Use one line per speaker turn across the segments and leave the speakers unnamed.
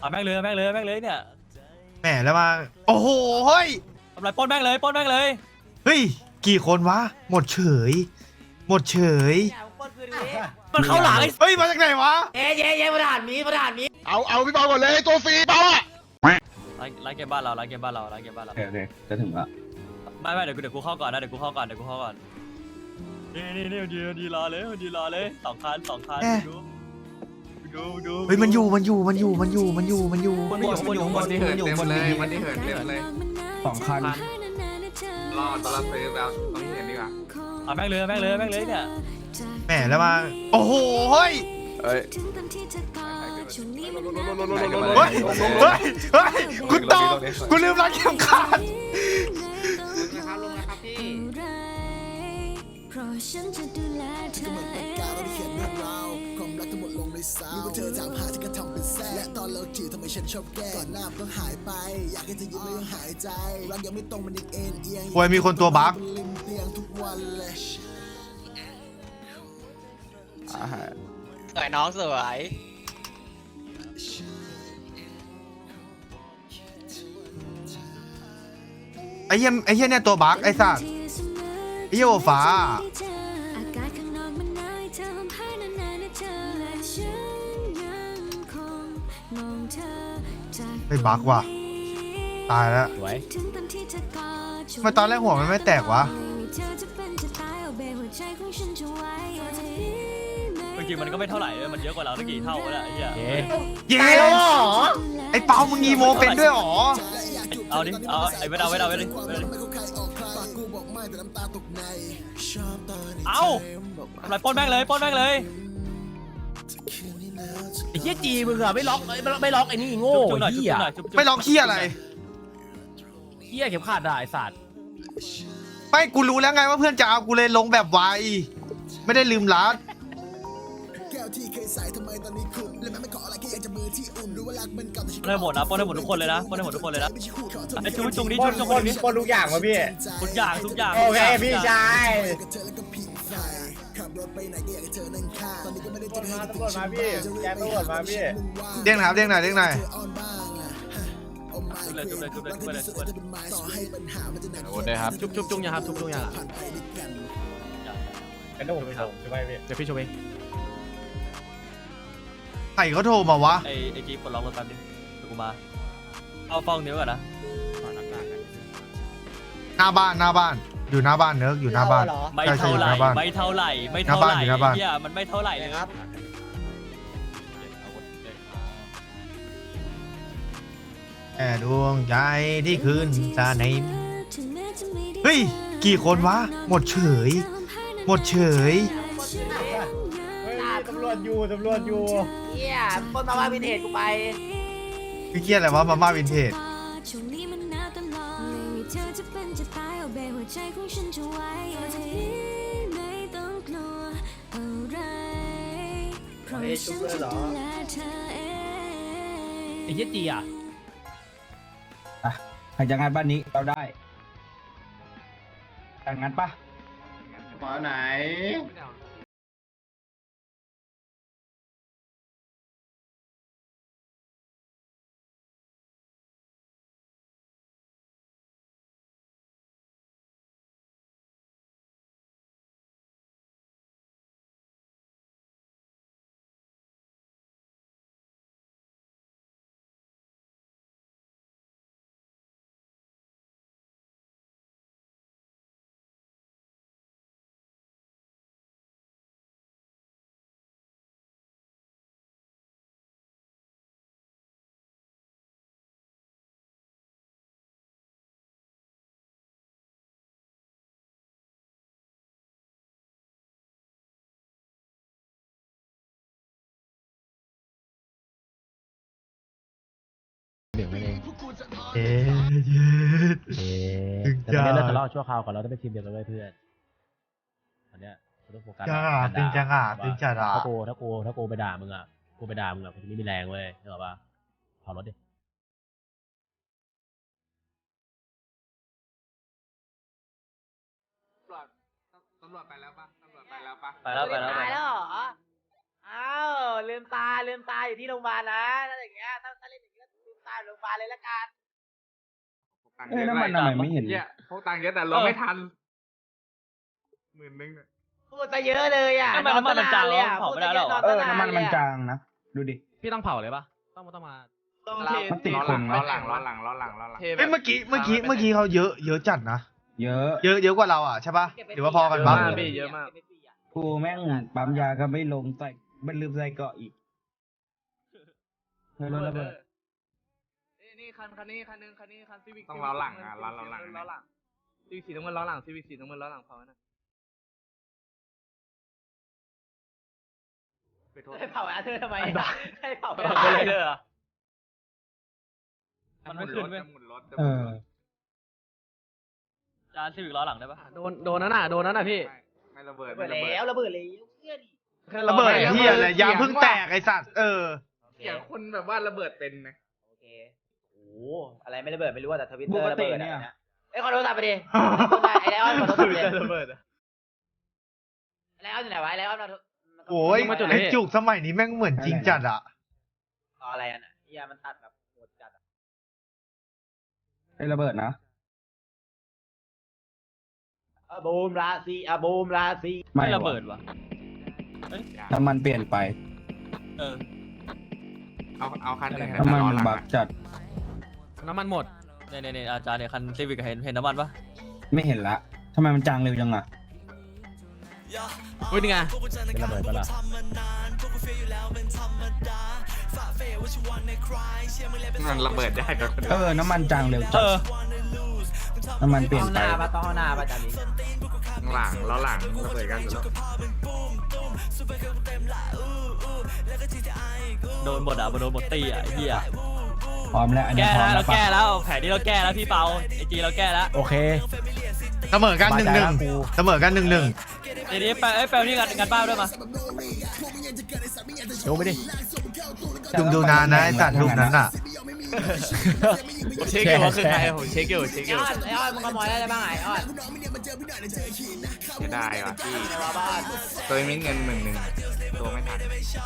เอาแม่งเลยแม่งเลยแม่งเลยเนี่ย
แหมแล้วมาโอ้โหเฮ้ย
ทำไรปล้นแม่งเลยปล้นแม่งเลย
เฮ้ยกี่คนวะหมดเฉยหมดเฉย
มันเข้าหลังไอ้
เฮ้ยมาจากไหนวะ
เย้ประธานมี
เอาพี่เปาก่อนเลยตัวฟรีเปาอ่ะ
ร้านเกมบ้านเราร้านเกมบ้านเราร้านเกมบ้านเรา
โอเคจะถึงละ
ไม่เดี๋ยวกูเข้าก่อนนะเดี๋ยวกูเข้าก่อนนี่ดีรอเลยสองคันดู
เฮ้ยมันอยู่
มันอยู่มันอยู่
มันที่เหินเต็มเลยมันที่เหินเต็มเลย
2 คัน
รอดตอนเราซื้อแล้วต้องเห็นดีกว่า
เอาแม่งเลยเนี่ย
แหมแล้วมาโอ้โหเฮ้ย
เฮ้ย
เฮ้ยเฮ้ยเฮ้ยกูตอบกูลืมรักเข็มขัด
ลงนะครับพี่
เพราะฉันจะดูแลเธอเองความรักทั้งหมดลงในสาวเธอถามหาฉันก็ทำเป็นแซ่และตอนเราจีบทำไมฉันชอบแก้ก่อนหน้ามันต้องหายไปอยากให้เธอยิ้มไม่ต้องหายใจรักยังไม่ตรงมันยังเอ็นเอียง
โอ้ยมีคนตัวบั๊ก
ริมเตียงทุกวันเลย
สวยน้องสวย
ไอ้เหี้ยเนี่ยตัวบั๊กไอ้สัตว์ไอ้เหี้ยโอฟ้า
อากาศข้างนอกมันหนาวให้เธอห่มผ้านานๆนะเธอและฉันยังคงมองเธอจาก
ไอ้บั๊กว่ะตายแล้ว
สวย
ถึงตอนที่เธอกอด
ทำไมตอนแรกหัวมันไม่แตกวะ
เธอจะเป็นจะตายเอาเบหัวใจของฉันจะไว้
จริงมันก็ไม่เท่าไหร่มันเยอะกว่าเราตั้งกี่เท่าแล้วไอ้เหี้ย
เย้ไอ้เปามึงอีโมเป็นด้วยหรอ
เอาดิเอาไอ้ไม่เอาดิเอาทำไรปล้นแม่งเลย
ไอ้เหี้ยจีมึงอะไม่ล็อกไม่ล็อกไอ้นี่โง่
จุ๊บหน่อย
เหี้ย
ไม่ร้องเหี้ยอะไร
เหี้ยเข็มขัดอะไอ้สัตว์
ไม่กูรู้แล้วไงว่าเพื่อนจะเอากูเลยลงแบบไวไม่ได้ลืมรัด
แก้วที่เคยใส่ทำไมตอนนี้ขุ่นและมันไม่ขออะไรแค่อยากจะมือที่อุ่นรู้ว่ารักมันเก่าแต่ฉัน
ปล้นให้หมดนะปล้นให้หมดทุกคนเลยนะไอ้จุ๊บจุ๊บนี้
ปนทุกอย่างวะพี่
ทุกอย่าง
โอเคพี่ชาย
กับเธอแล้วก็ผิงไฟขับรถไปไหนก็อยากให้เธอนั่งข้างตอนนี้ก็ไม่ได้เจอให้
ตำรวจมาพี่แจ้งตำรวจมาพี่
เด้งหน่อยครับเด้งหน่อย
อ่อนบ้างอะเอาไม้
จุ๊บเลย
ต่อให้ปัญหามันจะหนัก
โอ้ได้ครับ
ชุบยังครับชุบยังอะ
ผ่านไปด้วยกัน
เป็นผมใช่ไหมพี่
เดี๋ยวพี่ชมเอง
ใครเขาโทรมาวะ
ไอ้จีปลดล็อกรถแป๊บนึงเดี๋ยวกูมาเอาฟองนิ้วก่อนนะ
หน้าบ้านอยู่หน้าบ้านเนิร์กอยู่หน้าบ้าน
ไม่เท่าไหร่เฮียมันไม่เท่าไหร่เลยครับ
แอบดวงใจที่คืนจาในเฮ้ยกี่คนวะหมดเฉย
เฮ้ยตำรวจอยู่
เฮียปนมาว่าวินเทจกูไป
พี่เกียร์อะไรวะมาม่าวินเทจ
ช่วงนี้มันหนาวตลอดไม่มีเธอจะเป็นจะตายเอาเบหัวใจของฉันจะไว้ไม่ต้องกลัวอะไรเพราะฉันจะดูแลเธอเอง
ไอ้เหี้ยจีอะ
ใครจะงานบ้านนี้เราได้แต่งงานปะ
มาไหน
เดี๋ยวไม่เอง
เอ๊ะ
แต่ตอนนี้เลิกทะเลาะชั่วคราวก่อนเราต้องไปทีมเดียวกันด้วยเพื่อนตอนเนี้ยเราต้องโฟกัส
ตึงจังอ่ะ
ถ้ากูไปด่ามึงอะกูจะไม่มีแรงเว้ยนึกออกปะเผารถดิ
ตำรวจไปแล้วปะ
ไปแล้ว
ตายแล้วเหรอ
อ้าวลืมตาอยู่ที่โรงพยาบาลนะถ้าอย่างเงี้ยถ้าเล่นอย่างเงี้ยลืมตาอยู่โรงพยาบาลเลยละกัน
น้ำมันทำไมไม่เห็น
เนี่ยพวกตังค์เยอะแต่เราไม่ทัน10,000
พูดซะเยอะเลยอ่ะ
ทำไมน้ำมันมันจาง
เลยอ่ะ
เผา
พูด
ไม่
ซะ
ได้
เย
หร
อะ
อ
นอน
น้ำมันมันจางนะ ดูดิ
พี่ต้องเผาเลยปะต้องมา
ต้อง
มันติด
ล้อ
ค
หลั
น
ง
ไหม
ล้อหลัง
เท
เอ้ยเมื่อกี้เขาเยอะจัดนะ
เยอะ
เยอะกว่าเราอ่ะใช่ปะหรือว่าพอกันปะ
เยอะมาก
กูแม่งปั๊มยาก็ไม่ลงใส่มันลืมใส่เกาะอีกเฮ้ยรถระเบิด
นี่คันนี้คันซีวิก
ต้องล้อหลังอ่ะล้อหลัง
ซีวิกสีน้ำเงินล้อหลังซีวิกสีน้ำเงินล้อหลังเผานะ
ไปโทษ
ให้เผาอาเธอร์ทำไมให้เผา
เผาเลยเหรอมันไม่ขึ้นเว้ย
หมุนรถ
เออ
จานซีวิกล้อหลังได้ปะ
โดนนั่นน่ะพี่
ไม่ระเบิด
ระเบิดแล้วระเบิดแล้วเชื่อดิ
ระเบิดเฮียอะไรยางเพิ่งแตกไอสัตว์
เสียงคนแบบว่าระเบิดเป็นนะ
โอเคโอ้อะไรไม่ระเบิดไม่รู้แต่ทวิตเตอ
ป
ร์
ก
ระ
ติ
เบิด
เนี่ย
เอ้ยขอโทรศัพท์ไปดิไอ้ไลออนขอโทรศัพท์ไปดิ
ระเบิดอะ
ไลออนอยู่ไหนวะไลออนมา
โอ้ยไอจุกสมัยนี้แม่งเหมือนจริงจัดอ่ะ
อะไรอ่ะน่ะเฮียมันตัดแบบโหดจัด
ไอ้ระเบิดนะ
บูมราศีบูมราศี
ไม่ระเบิด
ว่ะ
วะ
น้ำมันเปลี่ยนไป
เออ
เอาคันอื่น
น้ำมัน
ล้อ
มัน
หลัง
บักจัด
น้ำมันหมด
เนี่ยอาจารย์เนี่ยคันซีวิกเห็นน้ำมันปะ
ไม่เห็นละทำไมมันจางเร็วจังอ่ะ
เฮ้ยนี่ไงเป็นระเบิดปะล่ะ
มันระเบิดได้กับคน
เออ น้ำมันจางเร็ว
เอ
จัด
อ
น้ำมันเปลี่ยน
ห้องห
ไป
น้าปะต้องห้องหน้าปะจันนี้
หลังล้อหลังระเบิดกันอยู่แล้ว
โดนหมดอ่ะโดนหมดตีอ่ะไอ้เหี้ย
พร้อมแล้วอันนี้
แก้
พร้อม
แล้ว
แล้
เรา
วปะ
แก้แล้วแผนนี้เราแก้แล้วพี่เปาไอจีเราแก้แล้ว
โอเค
เสมอกัน1-1เสมอกัน1-1
ทีนี้แปลนี่งานบ้านด้วยมา
โยงไปดิ
จุงดูนานนะไอสัตว์ลูกนั้นอ่ะ
ผมเช็คอยู่ว่าคือใครผมเช็คอยู่
ไอ้อ้อนมึงขโมยได้บ้างไอ้อ้อน
เสียดายว่ะพี่
ในว่าบ้าน
ตัวมีเงิน10,000ตัวไม่ทัน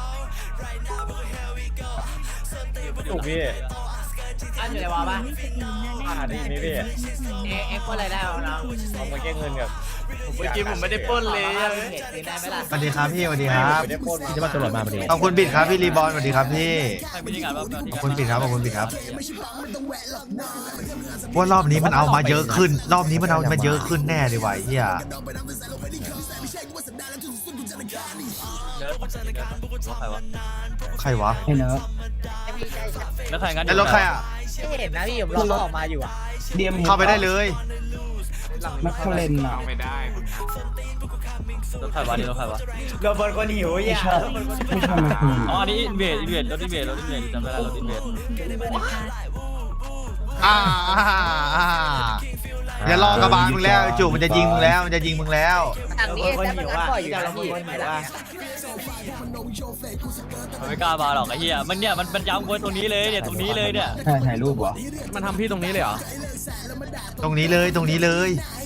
ถูกพี่
อ้อนอยู่ในว่าบ้าน
นี่นี่พี่
เอ็กซ์อะไรได้เอาน้อง
เอามาแก้เงินกับ
เมื่อกี้ผมไม่ได้ปล้นเลย
เหตุคืนได้ไหมล่ะ
สวัสดีครับพี่สวัสดีครับ
ไม่ได้ปล้น
พี่จะมาตำรวจมาพอดี
ขอบคุณบิดครับพี่รีบอลสวัสดีครับพี่
ใครไม่ได้งานบ้าง
ขอบคุณบิดครับขอบคุณบิดครับว่ารอบนี้มันเอามาเยอะขึ้น รอบนี้มันเอามาเยอะขึ้นแน่เลยว่ะไอ้เฮีย
ใครวะ
ใครวะ
ให้เนอะ
แล้วใครงาน
ไอ้รถใครอ่ะ
ไม่เห็นนะพี่ผมรอเขาออกมาอยู่อ่ะ
เดียม
เข้าไปได้เลย
นักเลนอ่ะ
เอาไม่ได้คุณ
รถใครวะนี่รถใครวะ
โรเบิร์ตคนหิว
ไม่
อย่า
ชอบไม่ชอบนักเลน
อ๋ออันนี้อินเวดรถอินเวดจำได้แล้วรถอินเวด
อย่ารอกระบาลมึงแล้วไอ้จุกมันจะยิงมึงแล้วมันจะยิงมึงแล้ว
อันนี้แต่มันก็ปล่อยอยู่นะพี่ไม่ได้
มันไม่กล้ามาหรอกไอ้เหี้ยมันเนี่ยมันย้ำไว้ตรงนี้เลยเนี่ยตรงนี้เลยเนี่ย
ใช่ถ่ายรูปเหรอ
มันทำพี่ตรงนี้เลยเหรอ
ตรงนี้เลยตรงนี้เลย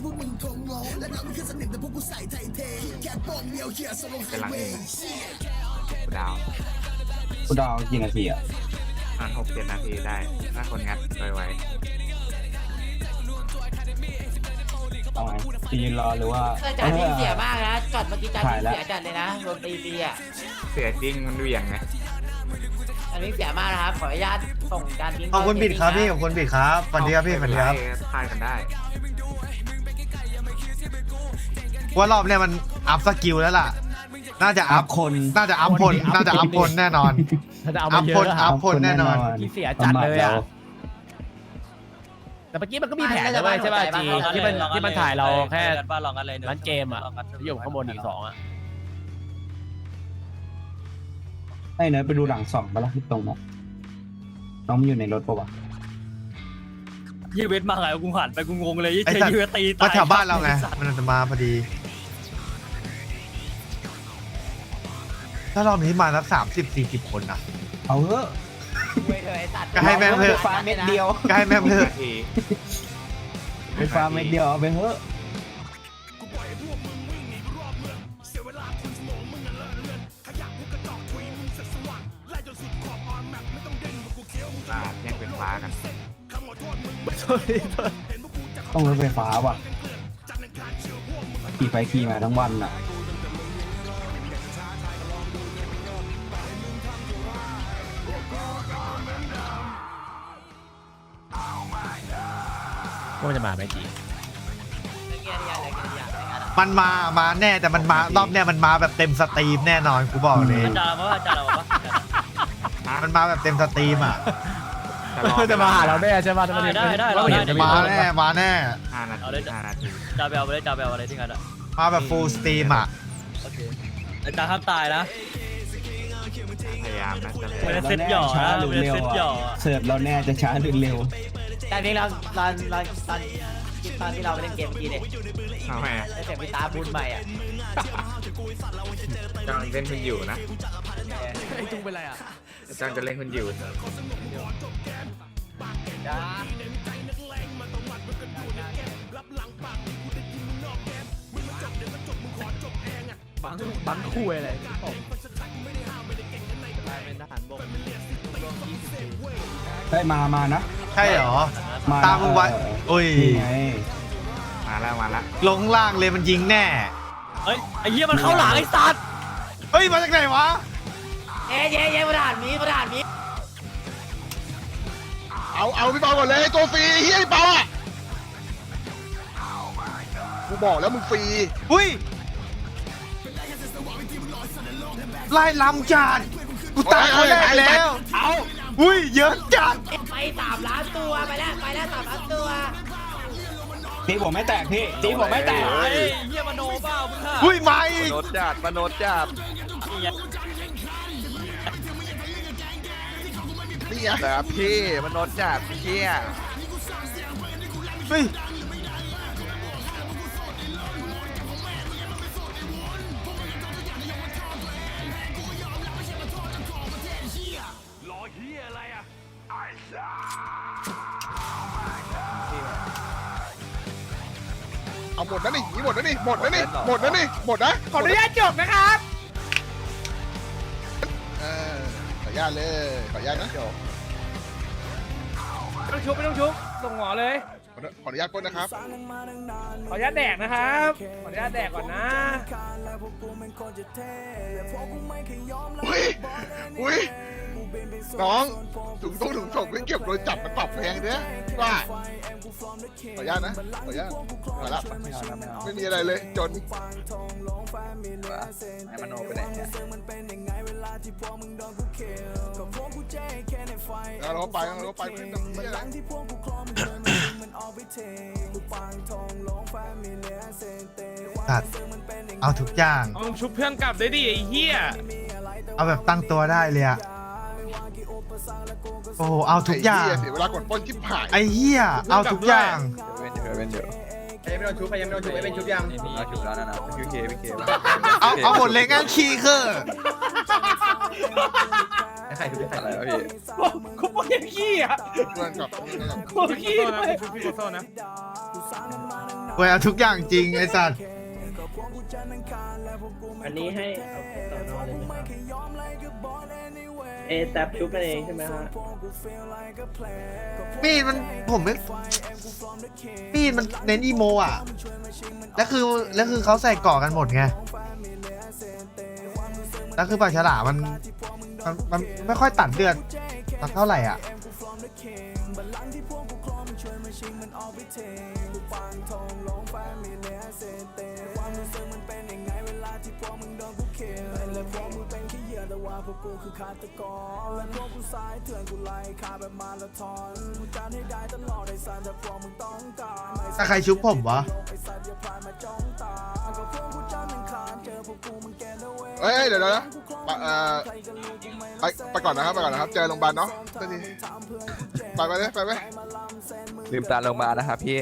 เป็นหลังอื่นดาว
กูดาวกี่นาทีอ่ะ
ประมาณ6-7 นาทีได้ถ้าคนงัดไว
เอาไงจะยืนรอหรือว่า
จัดที่เสียมากนะจอดเมื่อกี้จัดที่เสียจัดเลยนะโดนตีฟรีอ่ะ
ๆเสียจริงมันเหวี่ยงไง
อันนี้เสียมากนะครับขออนุญาตส่งการทิ้ง
ขอบคุณบิดครับพี่ขอบคุณบิดครับสวัสดีครับพี่สวัสดีครับ
พายกันได้
ว่ารอบเนี้ยมันอัพสกิลแล้วล่ะ น่าจะ
อั
อั
พ
พ
คน
น่าจะอัพพลน่าจะอัพพลแน่นอน
ถ้าจะเอา
อั
มา
พ
เย
พล
อะ
อัพพลแน่นอน
พี่เสียจัดเลยอ่ะ แต่เมื่อกี้มันก็มีแผนนะเว้ยใช่ป่ะจีที่มันถ่ายเราแค่
บ้านลองกันเลย
ร้านเกมอ่ะที่อยู่ข้างบนอีก2อ่ะ
ให้เนอะไปดูหลังสองปะล่ะที่ตรงนั้นน้องมันอยู่ในรถปะวะ
ยี่เวทมาไงกูหันไปกูงงเลยยี่
ไอ้
เจ
สัตว์
ยี่เวทตี
มาแถวบ้านเราไงมันจะมาพอดี ถ้ารอบนี้มาแล้ว30-40 คนนะ
เอาเถอะ
ก็ให้แม่งเถอะ
ฟ้าเม็ดเดียว
ก็ให้แม่งเถอะ
นาที
ไปฟ้าเม็ดเดียวเอาไปเถอะ
ฟ้ากัน
ต้องรถไฟฟ้าว่ะขี่ไปขี่มาทั้งวันอ่ะ
ว่ามันจะมาไหมจี
มันมาแน่แต่มันมารอบเนี้ยมันมาแบบเต็มสตรีมแน่นอนกูบอกเลย
อาจารย์เราว่าอาจารย์เราว่า
มันมาแบบเต็มสตรีมอ่ะ
จะมาหาเราแน่ใช่ป่ะ
ได้
เราเห็นจะ
มาแน่มาแน่
5 นาที 5 นาที
จาเบลไปเลยจาเบลอะไรที่กันอ่ะ
มาแบบฟูลสตรีมอ่ะ
โอเคอาจารย์ห้ามตายนะ
พยายามนะจะ
ไม่ได้เซ็ตหย่อ
ช้า
นะ
หรือ
ไม่ได้
เร็ว
เซ็ตหย่อ
อ่ะเสิร์ฟเราแน่จะช้าหรือเร็ว
แต่เพียงเราตอนที่เราไปเล่นเกมเมื่อกี้เนี่ย
ทำไมอ่ะ
ได้เสียงพี่ตาพูดใหม่อ่ะ
จังเล่นคุณอยู่นะไอ้จุงเป็นไรอ่ะจังจะเล่นคุณอยู่
บังคุยอะไร
ได้มานะ
ใช่เหรอ
มา
ตามมึงไว้โอ้ย
นี่ไง
มาแล้ว
ลงล่างเลยมันยิงแน่
เฮ้ยไอ้เหี้ยมันเข้าหลังไอ้สัตว์
เฮ้ยมาจากไหนวะ
เย้ประธานมี
เอาพี่เปาก่อนเลยตัวฟรีเฮียพี่เปาอ่ะกูบอกแล้วมึงฟรี
อุ้ยไล่ลำจัดกูตายคนแรกแล้ว
เอา
อุ้ยเยอะจัด
ไป3 ล้านตัวไปแล้ว3 ล้านตัว
ตีผมไม่แตกพี่ตีผมไม่แตก
ไอ้เหี้ยมโนเปล่ามึงค่ะ
อุ้ยมาอีก
มโนจัด
นี่ไง
แต่พี่มโนจัดเชี่ย
เฮ้ย
เอาหมดนะนี่หมดนะนี่หมดนะนี่หมดนะนี่หมดนะ
ขออนุญาตจบนะครับ
ขออนุญาตเลยขออนุญาตนะ
ไม่ต้องชุบส่งหมอเลย
ขออนุญาตปล้นนะครับ
ขออนุญาตแดกนะครับ ขออนุญาตแดกก่อนนะ
อุ้ยน้องถุงส่งไม่เก็บโดยจับมันปรับแพงเนี่ยว่าขออนุญาตนะขออนุญาตมาละไม่มีอะไรเลยจนให้มโนไปไหนเนี่ยเราไปขึ้นตรงนี้อะไร
ตัดเอาทุกอย่าง
เอาชุบเพื่อนกลับได้ดิไอ้เหี้ย
เอาแบบตั้งตัวได้เลยอะโอ้โหเอาทุกอย่าง
เสียเวลากดปล้นชิบหาย
ไอ้เหี้ยเอาทุกอย่าง
เป็นเดี๋ยว
ไม่ต้องชุบไปยังไม่ต้องชุบไม่เป็นชุบยัง
เอาชุดแล้วนะพี่เค
เอาหมดเลยงั้นคีย์คือ
ใครชุบใคร
อะไรวะพี่
กูบอกอย่างขี้อ่ะ
เพื่อนกับ
กูขี้เลย
เว้ยเอาทุกอย่างจริงไอ้สัตว์
อันนี้ให้เอาต่อนอนเลยนะครับแท็บชุบกันเองใช่ไหมฮะ
มีดมันผมไม่มีดมันเน้นอีโมอ่ะแล้วคือเขาใส่เกาะกันหมดไงแล้วคือปลาฉลามมันไม่ค่อยตัดเลือดสักเท่าไหร่อ่ะถ้าใครชุบผมวะ
เฮ้ยเดี๋ยวนะไปก่อนนะครับเจอโรงพยาบาลเนาะไปเลยไป
ลืมตาลงมานะครับพี่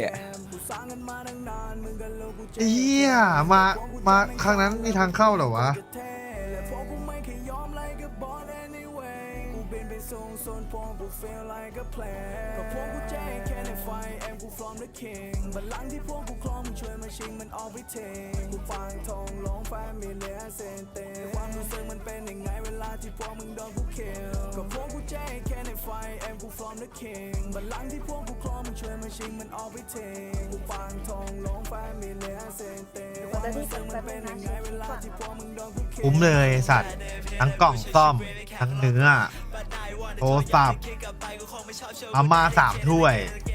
เฮียมาครั้งนั้นมีทางเข้าเหรอวะคุ้มเลยไอ้สัตว์ทั้งกล่องซ่อมทั้งเนื้อโทรศัพท์เอามา3 ถ้วย